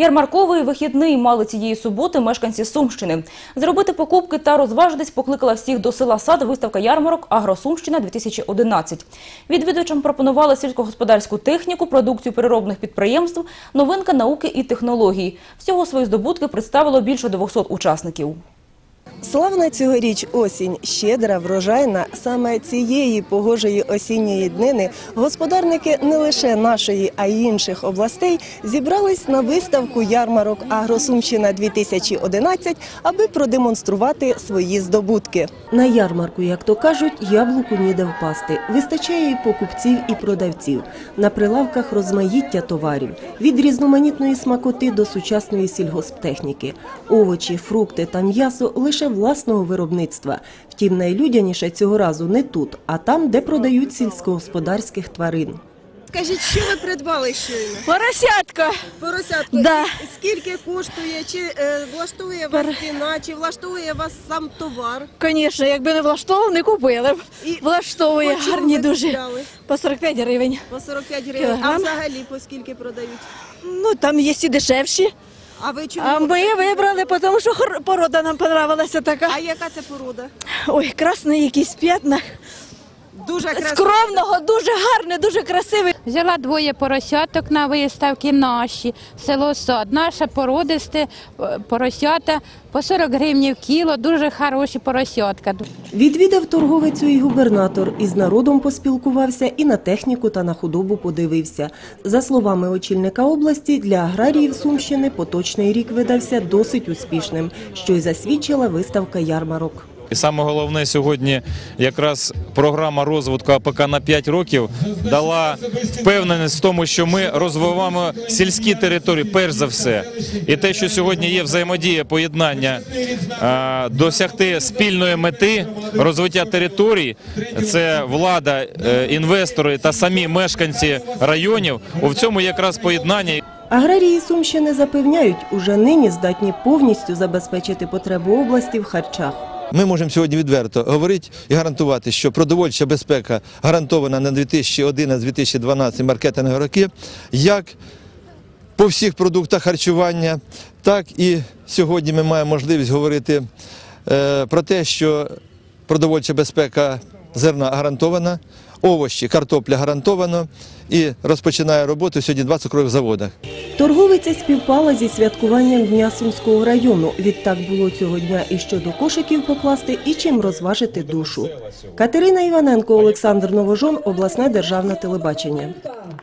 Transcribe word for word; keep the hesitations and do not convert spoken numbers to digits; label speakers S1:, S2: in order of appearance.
S1: Ярмарковий вихідний мали цієї суботи мешканці Сумщини. Зробити покупки та розважитись покликала всіх до села Сад виставка ярмарок «Агросумщина-дві тисячі одинадцять». Відвідувачам пропонували сільськогосподарську техніку, продукцію переробних підприємств, новинка науки і технологій. Всього свої здобутки представило більше двохсот учасників.
S2: Славна цьогоріч осінь, щедра, врожайна. Саме цієї погожої осінньої днини господарники не лише нашої, а й інших областей зібрались на виставку ярмарок «Агросумщина-дві тисячі одинадцять», аби продемонструвати свої здобутки. На ярмарку, як то кажуть, яблуку ніде впасти. Вистачає і покупців, і продавців. На прилавках розмаїття товарів. Від різноманітної смакоти до сучасної сільгосптехніки. Овочі, фрукти та м'ясо лише власного виробництва. Втім, найлюдяніше цього разу не тут, а там, де продають сільськогосподарських тварин. Скажіть, що ви придбали щойно?
S3: Поросятка.
S2: Поросятку.
S3: Да.
S2: Скільки коштує? Чи е, влаштує вас ціна? Чи влаштує вас сам товар?
S3: Звісно, якби не влаштовував, не купили б.
S2: І
S3: влаштовує,
S2: по чому
S3: гарні
S2: ви
S3: дуже.
S2: купляли?
S3: По сорок п'ять гривень.
S2: По сорок п'ять гривень.
S3: Кілограм.
S2: А взагалі по скільки продають?
S3: Ну, там є і дешевші.
S2: А ви чому?
S3: А ми вибрали, тому що порода нам подобалася така.
S2: А яка це порода?
S3: Ой, красний якийсь п'ятна.
S2: Дуже красива.
S3: Скромного, дуже гарне, дуже красивий.
S4: Взяла двоє поросяток на виставки наші, село Сад. Наша породисте поросята по сорок гривень в кіло, дуже хороші поросятка.
S2: Відвідав торговицю і губернатор, із народом поспілкувався, і на техніку та на худобу подивився. За словами очільника області, для аграріїв Сумщини поточний рік видався досить успішним, що й засвідчила виставка ярмарок.
S5: І саме головне сьогодні якраз програма розвитку АПК на п'ять років дала впевненість в тому, що ми розвиваємо сільські території перш за все. І те, що сьогодні є взаємодія, поєднання, досягти спільної мети розвиття територій, це влада, інвестори та самі мешканці районів, у цьому якраз поєднання.
S2: Аграрії Сумщини запевняють, уже нині здатні повністю забезпечити потребу області в харчах.
S6: Ми можемо сьогодні відверто говорити і гарантувати, що продовольча безпека гарантована на дві тисячі одинадцятий - дві тисячі дванадцятий маркетингові роки, як по всіх продуктах харчування, так і сьогодні ми маємо можливість говорити е, про те, що продовольча безпека зерна гарантована, овочі, картопля гарантовано і розпочинає роботу сьогодні два цукрових заводах.
S2: Торговиця співпала зі святкуванням Дня Сумського району. Відтак було цього дня і що до кошиків покласти, і чим розважити душу. Катерина Іваненко, Олександр Новожон, обласне державне телебачення.